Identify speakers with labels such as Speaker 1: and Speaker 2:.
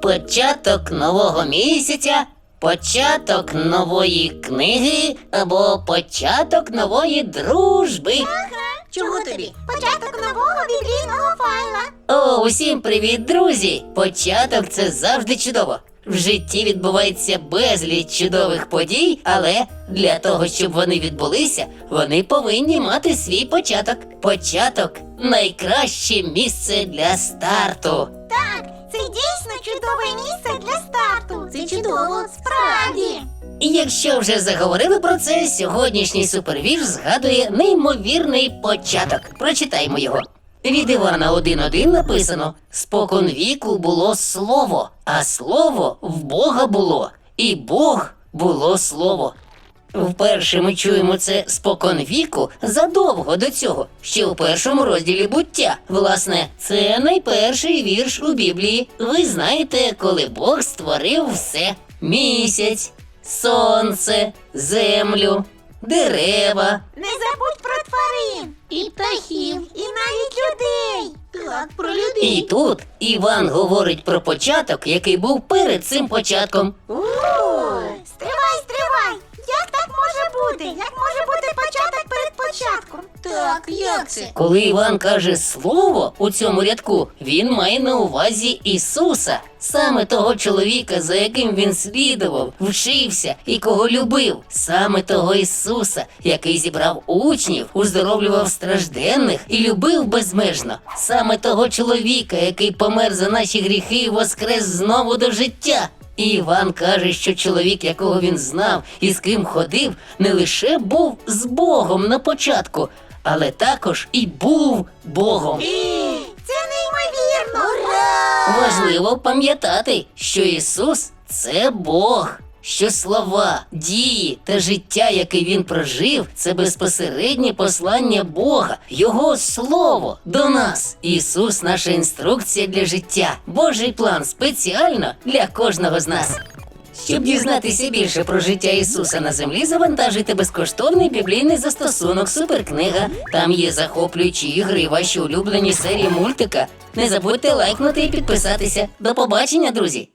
Speaker 1: початок нового місяця, початок нової книги або початок нової дружби.
Speaker 2: Чого тобі? Початок нового біблійного файла.
Speaker 1: О, усім привіт, друзі! Початок – це завжди чудово. В житті відбувається безліч чудових подій, але для того, щоб вони відбулися, вони повинні мати свій початок. Початок – найкраще місце для старту.
Speaker 2: Так, це дійсно чудове місце для старту. Це чудово, справді.
Speaker 1: І якщо вже заговорили про це, сьогоднішній супервірш згадує неймовірний початок. Прочитаймо його. Від Івана 1.1 написано: «Спокон віку було слово, а слово в Бога було, і Бог було слово». Вперше ми чуємо це «спокон віку» задовго до цього, ще у першому розділі «Буття». Власне, це найперший вірш у Біблії. Ви знаєте, коли Бог створив все: місяць, сонце, землю, дерева.
Speaker 2: Не забудь про тварин. І птахів. І навіть людей. Так, про людей.
Speaker 1: І тут Іван говорить про початок, який був перед цим початком.
Speaker 2: Стривай. Як так може бути? Як може бути початок перед початком? Так, як це?
Speaker 1: Коли Іван каже «слово» у цьому рядку, він має на увазі Ісуса, саме того чоловіка, за яким він слідував, вчився і кого любив, саме того Ісуса, який зібрав учнів, уздоровлював стражденних і любив безмежно, саме того чоловіка, який помер за наші гріхи і воскрес знову до життя. І Іван каже, що чоловік, якого він знав і з ким ходив, не лише був з Богом на початку, але також і був Богом.
Speaker 2: Це неймовірно! Ура!
Speaker 1: Важливо пам'ятати, що Ісус – це Бог, що слова, дії та життя, яке Він прожив – це безпосереднє послання Бога, Його Слово до нас. Ісус – наша інструкція для життя, Божий план спеціально для кожного з нас. Щоб дізнатися більше про життя Ісуса на землі, завантажуйте безкоштовний біблійний застосунок «Суперкнига». Там є захоплюючі ігри, ваші улюблені серії мультика. Не забудьте лайкнути і підписатися. До побачення, друзі!